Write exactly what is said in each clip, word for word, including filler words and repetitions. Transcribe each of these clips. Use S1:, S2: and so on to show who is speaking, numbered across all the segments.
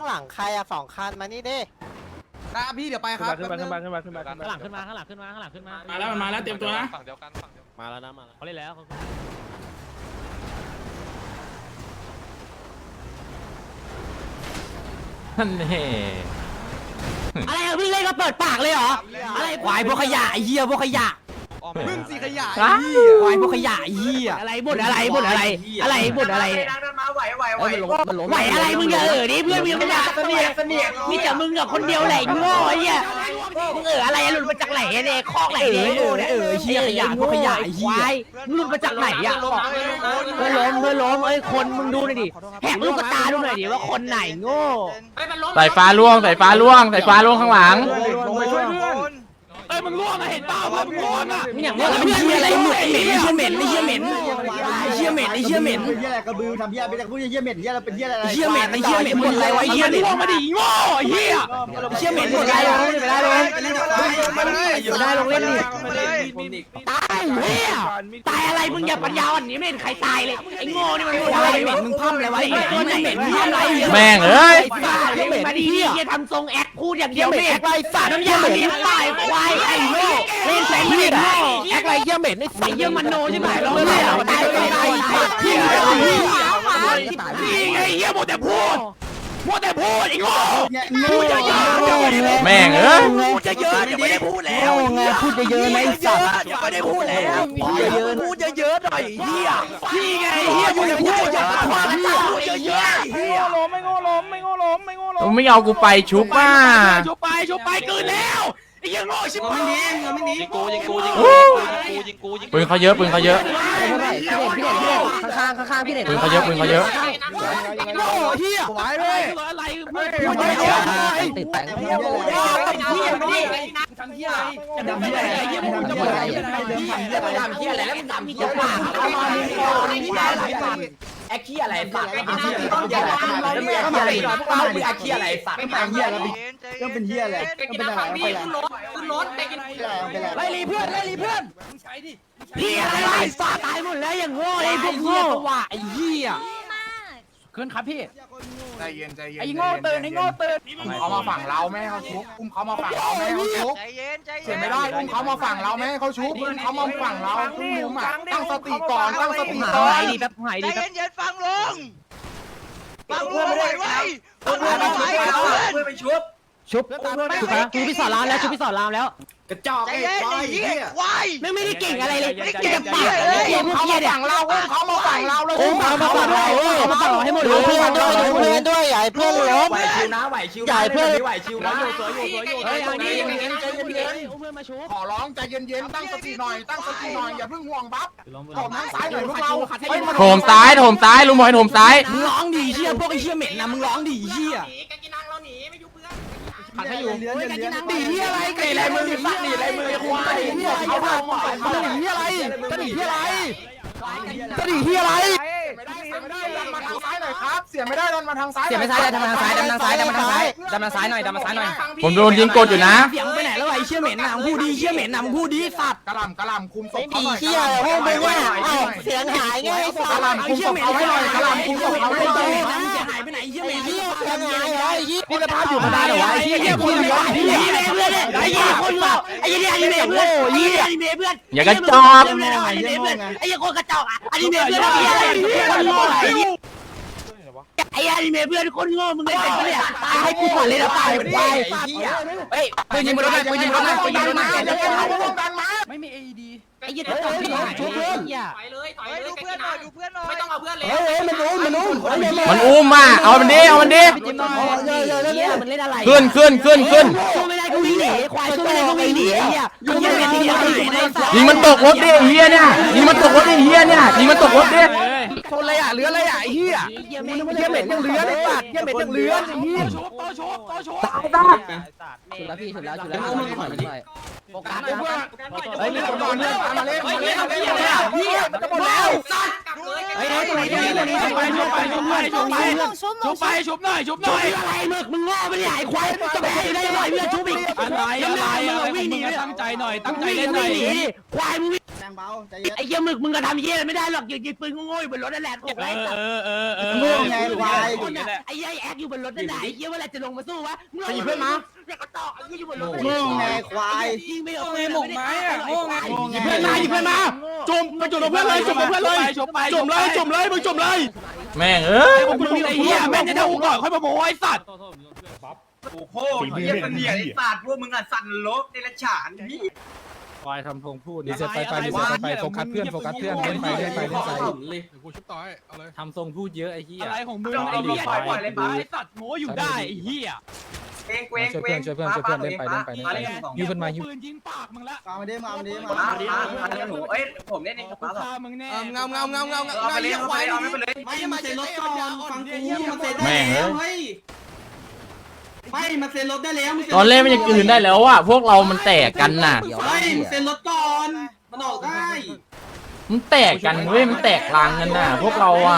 S1: างหลังใครอะสองคันมานี่ดิ
S2: นะพี่เดี๋ยวไปครับ
S3: ขึ้นมาขึ้นมาขึ้นมาขึ้นมาขึ้นมา
S4: ข้างหลังขึ้นมาข้างหลังขึ้นมาข้างหลังขึ้นมา
S5: มาแล้วมันมาแล้วเตรียมตัวนะ
S6: ฝั่งเดียวกันฝั่งเดียวกัน
S1: มาแล้วนะมาแล้ว
S4: เขาเล่นแล้วเขา
S3: ท่านเฮ่
S4: อะไรอะพี่เล่นก็เปิดปากเลยเหรออะไรควายพวกขยะไอ้เหี้ยพวกขยะ
S2: มึงสีขยะ
S4: ควายพวกขยะไอ้เหี้ยอะไรบ่นอะไรบ่นอะไรอะไรบ่นอะไร
S2: ไหวไหวไหว
S4: ไหวอะไรมึงอย่าเออดิเพื่อนมึงไม่อยากเสนียเสนียมีแต่มึงกับคนเดียวแหละโง่ไอ้เหี้ยมึงเอออะไรหลุดมาจากไหนเนี่ยคอกไหนเนี่ยเออเออเหี้ยขยะพวกขยะไอ้เหี้ยมึงหลุดมาจากไหนอ่ะเพื่อนล้มเพื่อนล้มเอ้ยคนมึงดูหน่อยดิแหกลูกตาดูหน่อยดิว่าคนไหนโง่
S3: สายฟ้าล่วงสายฟ้าล่วงสายฟ้าล่วงข้างหลัง
S2: ลงไปช่วยเพื่อน
S4: เอ้ยมึงล่วงอะเห็นเปล่ามึงล่วงอะมึงอย่างนี้เหี้ยอะไรเหม็นไอ้เหี้ยเหม็นไอ้เหี้ยเหม็นไอ้เหี้ยเหม็นไอ้เหี้ยเหม็น
S7: เหี้ยอะไรกระบือทำเหี้ยไปจากพูดเหี้ยเหม็นเหี้ยเราเป็นเหี้ยอะไร
S4: เหี้ยเหม็นไอ้เหี้ยเหม็นหมดอะไรวะไอ้เหี้ยล่วงมาดิโง่ไอ้เหี้ยเหี้ยเหม็นหมดอะไรวะไม่ได้เลยอยู่ได้ลงเล่นดิตายเหี้ยตายอะไรมึงอย่าปัญญาอ่อนนี้ไม่เห็นใครตายเลยไอ้โง่นี่มันอะไรเหม็นมึงพั่มอะไรวะไอ้เหม็นมันเหม็นเหี้ยอะไร
S3: แม่งเอ้ย
S4: มาดิเหี้ยทำทรงแอคพูดอย่างเดียวไม่แอคไรสัตว์น้ำยาเหม็นตายควายไอ้โง่เล่นแสงเหี้ยแอคไรเหี้ยเหม็นไอ้สัตว์เหี้ยมันโนใช่ไหมเราไม่เอาตายตายตายเหี้ยนี่ไงเหี้ยหมดแต่พูดหมดแต่พูดไอ้โง่พูดเยอะๆ
S3: แม่งเอ้ย
S4: พูดเยอะๆอย่าไม่ได้พูดแล้วไงพูดเยอะๆนะไอ้สัตว์อย่าไม่ได้พูดแล้วพูดเยอะๆพูดเยอะๆหน่อยเหี้ยพี่ไงเหี้ยอยู่ในพูดเยอะๆพูดเยอะๆเหี้ย
S5: ไม่โง่ล้มไม่โง่ล้มไม่โง่ล้ม
S3: ไม่เอากูไปชุบว่า
S4: ชุบไปชุบไปเกินแล้วไอ้ยังโง่ชิบหาย
S6: ยิงกูยิงกูยิงกูยิงกูยิงกูยิง
S3: ปืนเขาเยอะปืนเขาเยอะ
S4: พี่เด่นพี่เด่นพี่เด่นข้างๆข้างๆพี่เด่น
S3: ปืนเขาเยอะปืนเขาเยอะ
S4: โง่เหี้ยไหวเลยอะไรเพื่อนพูดเยอะๆติดแปงเหี้ยเหี้ยไม่ดีทำเหี้ยอะไรจะทำเหี้ยอะไรเหี้ยมึงจะบอกอะไรเหี้ยอะไรทำเหี้ยอะไรแล้วมึงทำเหี้ยปากเอามาดิพี่ได้หลายปากแอคเหี้ยอะไรปากไอ้เหี้ยต้องแยกกันแล้วมึงแอคเหี้ยอะไรพวกเรามึงแอคเหี้ยอะไรสัตว์
S7: เป็นเหี้ยแล้วก็เป็นเหี้ยอะไรก็เป็นอะไรไปแล้ว
S4: ขึ้นรถไปกิน
S7: ไปแล้ว
S4: ไล่รีเพื่อนไล่รีเพื่อนพี่อะไรไอ้สัตว์ตายหมดแล้วอย่างโง่ไอ้พวกโง่ว่ะไอ้เหี้ยขึ้นครับพี่
S2: ใจเย็นใจเย็น
S4: ไอ้โง่ตื่นไอ้โง่ตื่น
S2: อุ้มเขามาฝั่งเราไม่ให้เขาชุบอุ้มเขามาฝั่งเราไม่ให้เขาชุบ
S6: ใจเย็นใจเย็น
S2: เสียไม่ได้อุ้มเขามาฝั่งเราไม่ให้เขาชุบอุ้มเขามาฝั่งเราอุ้มมุมอ่ะตั้งสติก่อนตั้งสติก่อน
S4: หายดีแป๊บหาย
S6: ใจ
S4: ดีแป๊บ
S6: เย็นเย็นฟังลุงฟังลุงไว้ไว้ฟังลุงไว้เพื่อน
S4: ชุบชุบนะชูพี่สอนรามแล้วชูพี่สอนรามแล้ว
S2: กระจอก
S6: ใจ
S2: ไอ้
S6: เย็น
S2: ควาย
S6: ไอ้เหี้ยควาย
S4: ไม่ไม่ได้เก่งอะไรเลย
S6: ไม่ได้เก่ง
S4: ปาก
S6: เลย
S4: เหี้ยพวก
S2: เขา
S4: เหี้ย
S2: มา
S4: เนี่ย
S2: ฝั่งเราอุ้มเขามาฝั่งเราแล้ว
S4: โอ้มามาฝั่งเราเอามาฝั่งเราให้หมดเลย
S1: เพื่อนด้วยเพื่อนด้วยใหญ่เพื่อนล้ม
S2: ไหวชิวนะไหวชิว
S1: ใหญ่เพื่อน
S2: ไหวชิวนะ
S4: เฮ้ยเอาดิอย่างงี้ใจเย็นๆเพื่อนมาชุบ
S2: ขอร้องใจเย็นๆตั้งสติหน่อยตั้งสติหน่อยอย่าเพิ่งห่วงบัฟถมทางซ้ายหน่อยพวกเรา
S3: โถมซ้ายโถมซ้ายลุงบอยโถมซ้าย
S4: มึงร้องดีเชี่ยพวกไอ้เชี่ยเหม็นนะมึงร้องดีเชี่ย
S7: ผัดให้อยู่เลี้ยงเลี้ยง
S4: ดีที่อะไรไก่อะไรมือสักดีอะไรมือควายเขาทำมาดีที่อะไรจะดีที่อะไรจะดีที่อะไร
S2: ไม่ได้ไม่ได้ดันมาทางซ้ายหน่อยครับเสียไม่ได้ดันมาทางซ้าย
S4: เสียไม่ซ้ายดันมาทางซ้ายดันมาทางซ้ายดันมาทางซ้ายดันมาซ้ายหน่อยดันมาซ้ายหน่อย
S3: ผมโดนยิงกดอยู่นะ
S4: เสียงไปไหนแล้วไอ้เชี่ยเหม็นนะมึงพูดดีเชี่ยเหม็นนะมึงพูดดีสัตว์
S2: กระหล่ำกระหล่ำคุมศพ
S1: ไม่
S2: เขา
S1: ดี
S2: หน่อย
S1: เชี่ยพวกมึงว่าเสียงหายไงไอ้สั
S2: ก
S1: ต
S2: ระ
S1: ว์
S2: หล่ำคุมศพเขาไว้หน่อยกระหล่ำคุมศพเขาไว้หน่อย
S4: เสียหายไปไหนเชี่ยเหม็น
S1: เหี้ยเสียงหายเหรอไอ้ยี่
S4: คุณภาพอยู่มาได้เหรอวะไอ้เหี้ยคนเหลือไอ้เหี้ยเพื่อนไอ้เหี้ยคนเหลือไอ้เหี้ยไอ้เหี้ยเพื่อนไอ้เหี้ยไอ้เหี้ยเพื่อน
S3: อย่ากระจอก
S4: ไอ้เหี้ยเพื่อนไอ้เหี้ยคนกระจอกอ่ะไอ้เหี้ยเพื่อนไอ้เหี้ยอะไรคนโง่ไอ้เหี้ยไอ้ไอ้เมย์เพื่อนคนโง่มึงเล่นเป็นปะเนี่ยตายให้กูก่อนเลยนะตายตายเฮ้ยปืนยิงบนรถนะปืนยิงบนรถนะปืนยิงบนรถนะ
S2: ไม่มี เอ ดี
S4: ไอ้เหี้ยจะต้องไปชุบเพื่อน
S6: ไปเลยต่อยดูเพื่อนหน่อยดูเพื่อนหน่อยไม่ต้องเอาเพื่อนเลย
S7: เฮ้ยเฮ้ยมันอุ้มมันอุ้ม
S3: มันอุ้มอ่ะเอามันดิเอามันดิ
S4: มันเล่นอะไร
S3: ขึ้นขึ้นขึ้นขึ้น
S4: สู้ไม่ได้ก็วิ่งหนีควายสู้ไม่ได้ก็วิ่งหนีไอ้เหี้ยกูยังเป็นที่เดียวในสัตว์
S3: ยิงมันตกรถดิไอ้เฮียเนี่ยยิงมันตกรถดิไอ้เฮียเนี่ยยิงมันตกรถดิ
S2: ชนเลยอ่ะเรืออะไรอ่ะไอ้เหี้ย
S4: เหี้ยเหม็น
S2: เหี้ยเหม็นยังเรือได้สัตว์เหี้ยเหม็นยังเรือไอ้เหี้ย
S3: ตายตาย
S4: ชุบแล้วพี่ชุบแล้วชุบแล้วโอกาส
S2: ไอ้
S4: นะ
S2: เพื่อน
S4: เฮ้ยมีคนนอน
S2: เพื่
S4: เพื่
S2: อ
S4: อน น
S2: มาเล่นมาเล่นมาเล่น
S4: เหี้ยจะหมดแล้ว
S6: เฮ้ย
S4: เฮ้ยตรงนี้ตรงนี้ตรงนี้ชุบไปชุบไปชุบไปชุบไปชุบไปชุบหน่อยชุบหน่อยอะไรมึกมึงง้อไม่ได้ไอ้ควายจะไปได้ยังไงเพื่อนชุบอีกอะไรอะไรมึงวิ่งหนีตั้งใจหน่อยตั้งใจเล่นหน่อยควายมึง
S7: เบาใจเย็น
S4: ไอ้เหี้ยมึกมึงก็ทำเหี้ยไม่ได้หรอกยิงปืนโง่ๆอยู่บนรถนั่นแหละถูกไหม
S5: เออเออเออ
S7: โง่ไงควาย
S4: ไอ้เหี้ยแอคอยู่บนรถนั่นแหละไอ้เหี้ยเวลาจะลงมาสู้วะเมื่อ
S2: ตีเพื่อนมา
S4: แล้วก็ต่อไอ้เหี้ยอยู่บนรถ
S7: โง่ไงควาย
S4: ยิงไม่ออกเลยหมกไม้อะโง่ไง
S2: หยิบเพื่อนมาหยิบเพื่อนมาจุ่มไปจุ่มเพื่อนเลยจุ่มเพื่อนเลยจุ่มเลยจุ่มเลยมึงจุ่มเลย
S3: แม่งเอ้ย
S5: มึงไอ้เหี้ยแม่งจะเท่ากูก่อนค่อยมาโม้ไอ้สัตว์
S6: โอ้โหเฮียเป็นเหี้ยไอ้สัตว์พวกมึงอ่ะสั่นโลกในละฉานพี่
S5: ควายทำพงพูด
S8: รีเซ็ตไปไปรีเซ็ตไปโฟกัสเพื่อนโฟกัสเพื่อนเล่นไปเล่นไปเล่นไป
S5: กูชุบต่อยเอาเลยทำทรงพูดเยอะไอ้เหี้ยอะไรของมึง
S6: ไอ้เหี้ยปล่อยเลยไป
S5: ไอ้สัตว์โม้อยู่ได้ไอ้เหี้ย
S6: เว้งเว้ง
S8: ช่วย
S6: เว้
S8: เพื่อง นช่วยเพื่อนช่วยเพื่อนเล่นไปเล่นไปเล่นไปยิงขึ้นมายิง
S5: ปืนยิงปากมึงละ
S7: มาดิมาดิมา
S6: มามามาหนูเอ้ยผมเล่นเองกับ
S5: กู
S6: ป้าหรอ
S5: ฆ่ามึงแน่
S2: เงาเงาเงาเงาเงา
S6: เอาไปเลยเอาไปเลยเอาไม่ไปเลย
S7: ไม่มาเซ็นรถก่อนฟังกูมาเซ็น
S3: แม่งเอ้ย
S7: ไม่มาเซ็นรถได้แล้ว
S3: ตอนเล่นมันยังคืนได้แล้วอ่ะพวกเรามันแตกกันน่ะ
S7: ไม่เซ็นรถก่อนมันออกได้
S3: มันแตกกันเว้ยมันแตกรังกันน่ะ พวกเราอ่ะ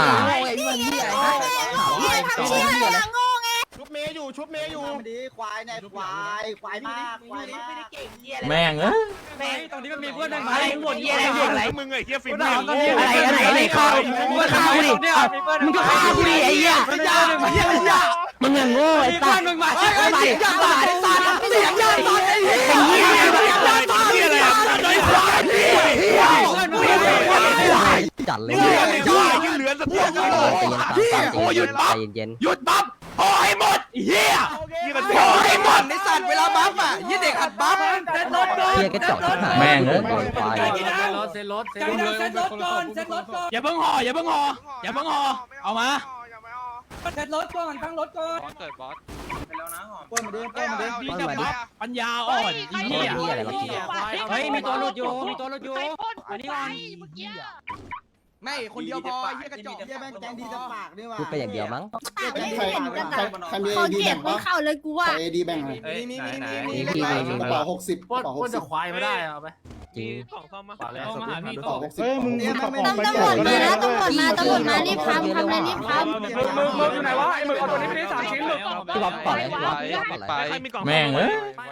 S2: ชุบเมย์อยู่ชุบเมย์อยู่
S7: มาดิควายเนี่ยควายควายมากควายมาก
S3: แม่งเอ้ย
S5: ตรงนี้มันมีเพื่อน
S4: อะไรหมดเหี้ยอะไรอะไร
S5: มึงไอ้เหี้ยฝีมื
S4: อะไรอะไรอะไรข้าวมึงก็ฆ่ากูดิมึงก็ฆ่ากูดิไอ้เหี้ยมึงอย่างโง่ไอ้สัตว์
S5: มึงมา
S4: ไอ้สัตว์ไอ้สัตว์ไอ้สัตว์เสียงยาตอนไอ้เหี้ยไอ้เหี้ยไอ้เหี้ยอะไรอ่ะไอ้ควายเหี้ยจัดเลย
S5: ยืนเหลือสักตัวโอ้หยุดปั๊บ
S4: เย็น
S5: หยุดปั๊บพอให้หมดเหี้ยพอให้หมด
S2: ในสัตว์เวลาบัฟอ่ะยี่เด็กอัดบัฟ
S4: เหี้ยกระจอกที่หาย
S3: แม่งเอ้ย
S4: ควาย
S5: เซ็นรถเซ็นรถเซ็นรถก่อนเซ็นรถก่อนอย่าเพิ่งห่ออย่าเพิ่งห่ออย่าเพิ่งห่อเอามา
S4: เซ็นรถก่อนตั้งรถก่อน
S6: ไปแล้วนะหอม
S7: ป้นมาดิป้นมาดิ
S5: พี่จะบัฟปัญญาอ่อนอีเหี้ย
S4: เฮ้ยมีตัวหลุดอยู่มีตัวหลุดอยู่อันนี้ก่อน
S2: ไม่คนเดียวพอยี่กระจอก
S7: เยี่ยแม่งแกงดีจะปากนี่ว่ะ
S4: พูดไปอย่างเดียวมั้ง
S7: ใครใครใครมี
S9: ขอเก็บของเขาเลยกูว่า
S7: เอดีแบ่ง
S2: มีมีมีมี
S4: มี
S2: มี
S4: มี
S7: กระเป๋าหกสิบกระเป๋าหกสิบ
S5: ควายไม่ได้เอาไป
S4: จริง
S5: เอามาหาพี่
S7: กระเป๋าหกสิบ
S2: เฮ้ยมึง
S9: ตำตำรวจมาแล้วตำรวจมาตำรวจมารีบทำทำเลยรีบทำ
S5: มึงมึงมึงอยู่ไหนวะไอ้มึงเอาตัวนี้ไปได้สามชิ้นมึง
S4: พี่บ๊อบก่อนเลยพี่บ๊อบพี่บ๊อบก่อนเลย
S3: แม่งเอ้ย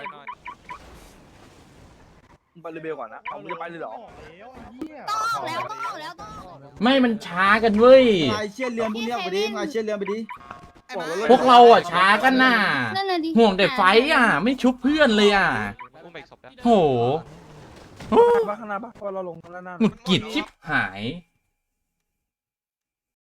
S6: ไปเรเบลก่อนนะเอาจะไปเลยหรอ
S9: ต้องแล้วต้องแล้วต้อง
S3: ไม่มันช้ากันเว้ย
S7: ไอเชี่ยเรือพวกนี้ไปดิไอเชี่ยเรือไปดิ
S3: พวกเราอ่ะช้ากันน่ะ
S9: นั่นน่ะดิ
S3: ห่วงแต่ไฟอ่ะ ไม่ชุบเพื่อนเลยอ่ะโห
S6: บ้าข้างหน้าบ้าเพราะเราลงแล้วนั่น
S3: หงุดหงิดชิบหาย